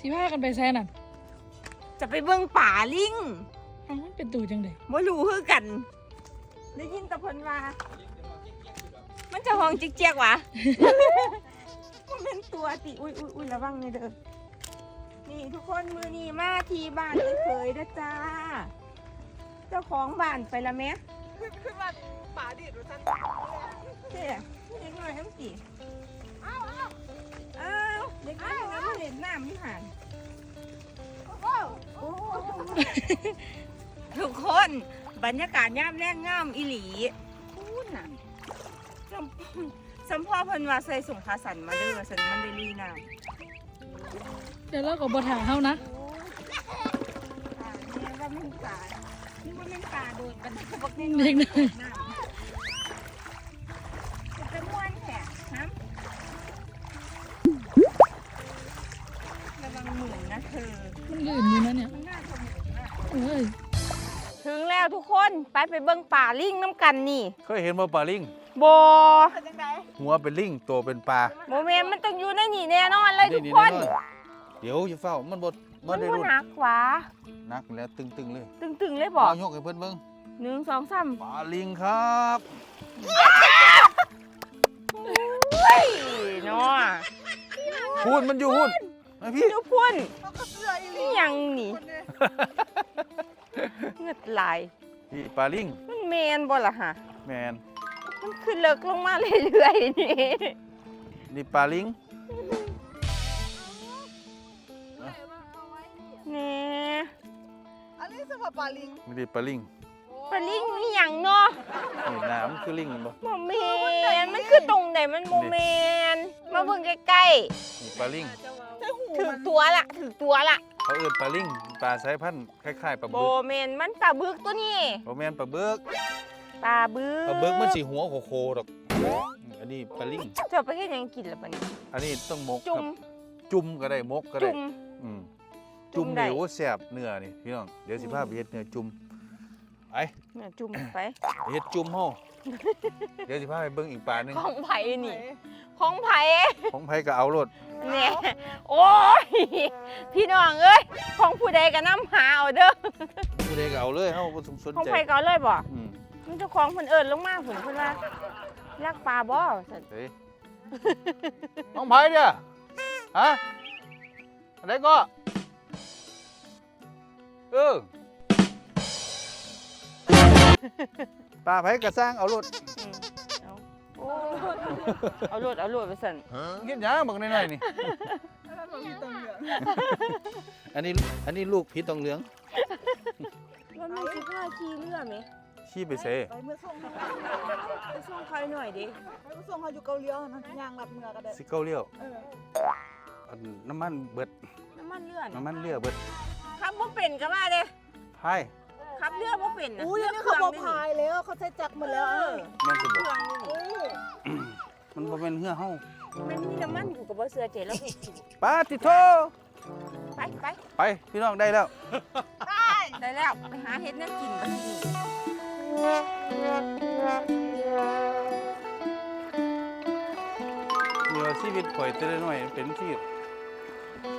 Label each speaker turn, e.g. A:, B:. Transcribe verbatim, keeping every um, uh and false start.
A: สิพากันไปแซ่น่ะ
B: จะไปเบิ่งป่าลิง
A: อ้าวมันเป็นตูจังได๋
B: บ่รู้คือกันได้ยินแต่เพิ่นว่ามันจะห้องจิกเจียกวะ มันเป็นตัวติอุ้ยอุ้ยอุ้ยระวังนี่เด้อนี่ทุกคนมือนี้มาที่บ้านเคยๆเด้อจ้าเจ้าของบ้านไปละแม่ขึ้นมาป่าดิดว่าซั่นเด้เด็กน้อยทั้งสี่อ้าวอ้าวอ้าวเด็กน้อยมาเล่นน้ำอยู่ห่างทุกคนบรรยากาศย่ามแรงงามอีหลีพูดน่ะสัมสัมพ่อเพิ่นว่าใส่ส่งขาสันมาเด้อสันมันได้ลีน้ำ
A: เดี๋ยวเราก็บ่ถ่าเฮานะ
B: นี่ว่ามันป่านี่ว่ามันป่าโดนกันเขาบอกนี่
A: เด็กน้อย
B: จะม้วนแขกฮะระวังหมื่นนะเธอ
A: มันลื่นอยู่นะเนี่ยเอ้ย
B: ถึงแล้วทุกคนไปไปเบิ่งป่าลิงน้ำกันนี่
C: เคยเห็นบ่ปลาลิง
B: โบ
C: หัวเป็นลิงตัวเป็นปลา
B: โมเมนต์มันต้องอยู่ในนี่แน่นอนเลยทุกคน
C: เดี๋ยวจะเฝ้ามันบด
B: มันได้รุ่นหนักวะ
C: หนักแล้วตึงๆเลย
B: ตึงๆเลยบอก
C: ยกให้เพิ่นเบิ่ง
B: หนึ่งสองสาม
C: ปลาลิงครับ
B: เฮ้ยน้อ
C: พูดมันอยู่พูดนะพี่
B: ดูพุ่นนี่ยังนี่เงือดไหล
C: พี่ปลาลิง
B: มันแมนบ่ล่ะฮะ
C: แมน
B: มันขึ้นเลิกลงมาเรื่อยๆนี่
C: นี่ปลาลิง
B: นี่
D: อันนี้สำหรับปลาลิง
C: ไม่ได้ปลาลิง
B: ปลาลิงนี่ยังเนาะ
C: นี่น้ำคือลิงบ่
B: โมเมนมันคือตรงไหนมันโมเมนมาเบิ่งใกล้
C: ๆนี่ปลาลิง
B: ถือตัวละถือตัวละ
C: เขาเอิ้นปลาลิงปลาสายพันธุ์คล้ายๆปลาบึก
B: โบเมนมันปลาบึกตัวนี้
C: โบเมนปลาบึก
B: ปลาบึก
C: ปลาบึกมันสีหัวโคๆดอกอันนี้ปลาลิง
B: เจ้าไปเฮ็ดหยังกินล่ะบัดนี้
C: อันนี้ต้องมก
B: จุ่ม
C: จุ่มก็ได้มกก็ได้
B: จุ่ม
C: อืมจุ่มนี่โอ้แซ่บเนื้อนี่พี่น้องเดี๋ยวสิพาไปเฮ็ดเนื้อจุ่มไป
B: เนื้อจุ่มไป
C: เฮ็ดจุ่มเฮาเดี๋ยวสิพาไปเบิ่งอีกปลานึง
B: ของไผนี่ของไผ
C: ของไผก็เอาโลด
B: เนี่ยโอ้ยพี่น้องเอ้ยของผู้ใดก็นำหาเอาเด้อ
C: ผู้ใดก็เอาเลยเฮาบ่สนใจ
B: ของไผก็เอาเลยบ่
C: อืม
B: มันเจ้าของเพิ่นเอิ้นลงมาเพิ่นเพิ่นว่ารักปลาบ่ซั่น
C: เฮ้ยน้องไผเด้อฮะอะไรก็เออปลาไผก็สร้างเอารถ
B: เอารถเอารถไปสั่น
C: เงี้ยยังบอกน้อยๆนี่อันนี้อันนี้ลูกผีตองเหลือง
B: มันมีสิบห้าขี่เรือไหม
C: ขี่ไปเซ่
D: ไปเมื่อส่ง
B: ไปส่งใครหน่อยดิ
D: ไปเมื่อส่งเขาอยู่เกาหลีนะยางหลับเมื่อก็ได้
C: สิเกาเลี้ยวน้ำมันเบิด
B: น้ำมันเรือ
C: น้ำมันเรือเบิด
B: ขับบ่เป็นก็ว่าเด้
C: พาย
B: ขับเรือบ่เป็นนะ
D: อุ้ยนี่เขาบอกพายแล้วเขาใช้จักรหมดแล้ว
C: แม่นสิบ่
D: มัน
C: บ่แม่นเหือเฮา
B: มันมีน้ำมันอยู่กับบ่เสือเจแล้ว
C: ปาติโท
B: ไปไป
C: ไปพี่น้องได้แล้ว
B: ได้ได้แล้วไปหาเฮ็ดแนวกินบัดนี้
C: เดี๋ยวชีวิตข่อยแต่ละน้อยเป็นที่